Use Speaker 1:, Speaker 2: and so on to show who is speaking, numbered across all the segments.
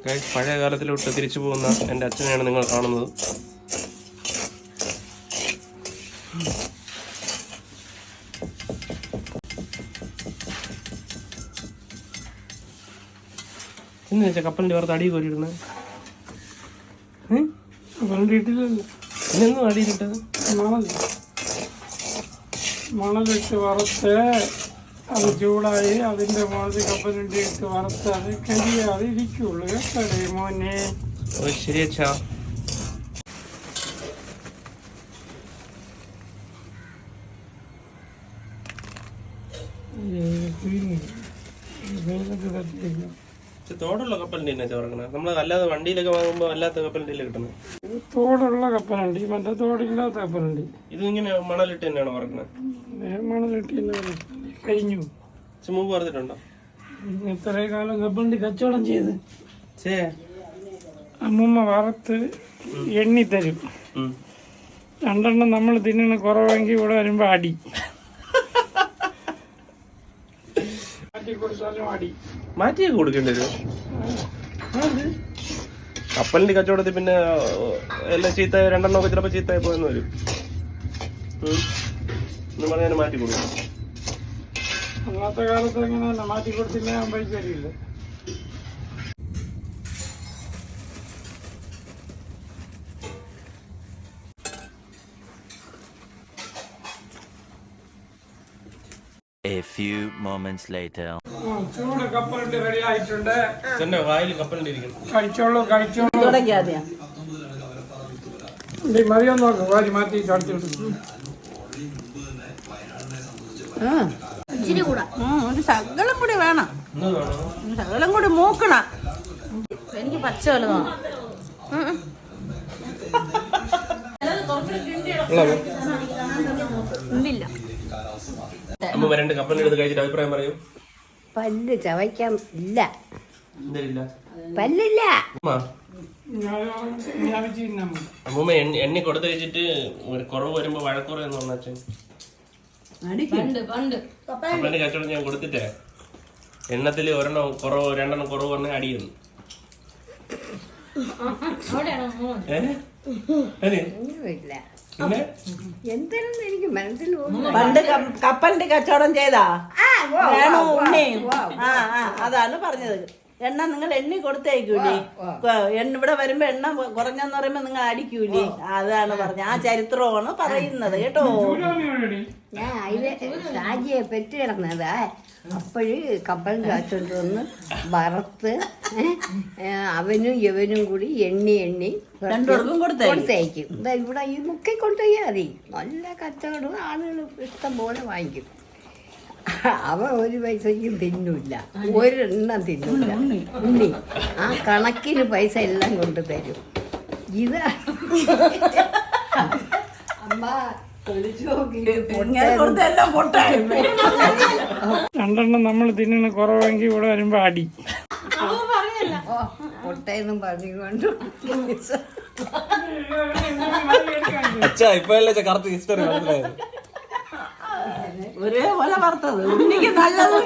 Speaker 1: പഴയ കാലത്തിലോട്ട് തിരിച്ചു പോകുന്ന എൻ്റെ അച്ഛനെയാണ് നിങ്ങൾ കാണുന്നത്. എന്ന് വെച്ചാൽ കപ്പലിൻ്റെ പുറത്ത് അടി കോരിയിടുന്നത് ഇതൊന്നും അടിയിലിട്ടത്
Speaker 2: മണലിട്ട് വറുത്ത് അത് ചൂടായി അതിൻ്റെ മുകളിൽ കപ്പലിൻ്റെ ഇട്ട് വറുത്ത് അത് കരിയാതെ ഇരിക്കുള്ളൂ കേട്ടേ മോനെ.
Speaker 1: ശരി അച്ഛാ. തോടുള്ള കപ്പലിൻ്റെ തന്നെ ചോറക്കണേ. നമ്മൾ അല്ലാതെ വണ്ടിയിലൊക്കെ വാങ്ങുമ്പോൾ അല്ലാത്ത കപ്പലിൻ്റെ കിട്ടുന്നത്.
Speaker 2: തോടുള്ള കപ്പലുണ്ട്, മറ്റേ തോടില്ലാത്ത കപ്പലുണ്ട്.
Speaker 1: ഇത് ഇങ്ങനെ മണലിട്ട് തന്നെയാണോ വറക്കുന്നത്?
Speaker 2: മണലിട്ട് തന്നെ കഴിഞ്ഞു.
Speaker 1: മുമ്പ് പറഞ്ഞിട്ടുണ്ടോ?
Speaker 2: ഇത്രയും കാലം കപ്പലിൻ്റെ കച്ചവടം ചെയ്ത് അമ്മൂമ്മ വറുത്ത് എണ്ണി തരും. 2 എണ്ണം നമ്മൾ തിന്നണ കുറവെങ്കിൽ ഇവിടെ വരുമ്പോ അടി മാറ്റി കൊടുത്താലും അടി
Speaker 1: മാറ്റിയൊക്കെ കൊടുക്കേണ്ടി വരും. കപ്പലിന്റെ കച്ചവടത്തിൽ പിന്നെ എല്ലാം ചീത്ത 2 എണ്ണമൊക്കെ ചിലപ്പോൾ ചീത്തയായി പോയെന്ന് വരും എന്ന് പറഞ്ഞാൽ മാറ്റി കൊടുക്കും.
Speaker 2: അന്നത്തെ കാലത്ത് എങ്ങനെയല്ല, മാറ്റി കൊടുത്തില്ല ഞാൻ പൈസ തരില്ല.
Speaker 3: A few moments later.
Speaker 2: ചൂട് കപ്പലിന്റെ റെഡി ആയിട്ടുണ്ട്.
Speaker 1: വായിൽ കപ്പലിന്റെ ഇരിക്കണം.
Speaker 2: കഴിച്ചോളൂ മതിയോ നോക്കും. വാരി മാറ്റി ചടിച്ചു
Speaker 4: ഇച്ചിരി കൂടെ ഒരു ശകലം കൂടി വേണം. ശകലം കൂടി മൂക്കണം. എനിക്ക് പച്ച പോലെ തോന്നും. ഇല്ല
Speaker 1: അമ്മ 2 കപ്പലിന്റെ അടുത്ത് കഴിച്ചിട്ട് അഭിപ്രായം പറയൂ.
Speaker 5: പല്ല് ചവയ്ക്കാൻ ഇല്ല,
Speaker 1: എന്തരില്ല
Speaker 5: പല്ലില്ല.
Speaker 1: അമ്മൂമ്മ എണ്ണി കൊടുത്ത് കഴിച്ചിട്ട് കുറവ് വരുമ്പോ വഴക്കുറയെന്ന് പറഞ്ഞ അച്ഛൻ കപ്പലിന്റെ കച്ചവടം ഞാൻ കൊടുത്തിട്ടേ എണ്ണത്തില് 1 എണ്ണം കുറവ് 2 എണ്ണം കുറവ് പറഞ്ഞ അടിയുന്നു.
Speaker 5: എന്തെന്ന് എനിക്ക് മനസ്സിൽ
Speaker 4: പണ്ട് കപ്പലിന്റെ കച്ചവടം ചെയ്താ വേണോ ഉണ്ണി? അതാണ് പറഞ്ഞത്. എണ്ണ നിങ്ങൾ എണ്ണി കൊടുത്തേക്കൂലേ? ഇവിടെ വരുമ്പോ എണ്ണ കുറഞ്ഞെന്ന് പറയുമ്പോ നിങ്ങൾ അടിക്കൂലേ? അതാണ് പറഞ്ഞത്. ആ ചരിത്രമാണ് പറയുന്നത് കേട്ടോ.
Speaker 5: ഞാൻ അതിലെ ഷാജിയെ പെറ്റ് കിടന്നത്. അപ്പോഴ് കപ്പൽ കാച്ചോണ്ട് വന്ന് വറുത്ത് അവനും ഇവനും കൂടി എണ്ണി കൊടുത്തയക്കും. ഇവിടെ ഈ മുക്കി കൊണ്ടുപോയാൽ മതി. നല്ല കച്ചവടം, ആളുകൾ ഇഷ്ടം പോലെ വാങ്ങിക്കും. അവ 1 പൈസയ്ക്കും തിന്നില്ല, 1 എണ്ണം തിന്നില്ല. ഉണ്ണി ആ കണക്കിന് പൈസ എല്ലാം കൊണ്ട് തരും. ഇത് അമ്മ
Speaker 2: 2 എണ്ണം നമ്മൾ തിന്നണ കുറവെങ്കിൽ ഇവിടെ വരുമ്പോ അടി
Speaker 5: പൊട്ടയെന്നും പറഞ്ഞുകൊണ്ട്
Speaker 4: ഒരേപോലെ വറുത്തത് ഉണ്ണിക്ക് നല്ലത്.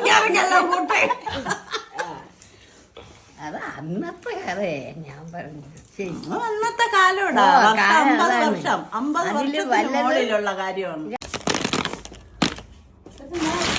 Speaker 5: അത് അന്നത്തെ കഥയെ ഞാൻ പറഞ്ഞു. ശരി,
Speaker 4: അന്നത്തെ കാലോടാ. 50 വർഷം 50 വർഷത്തിനുള്ള കാര്യമാണ്.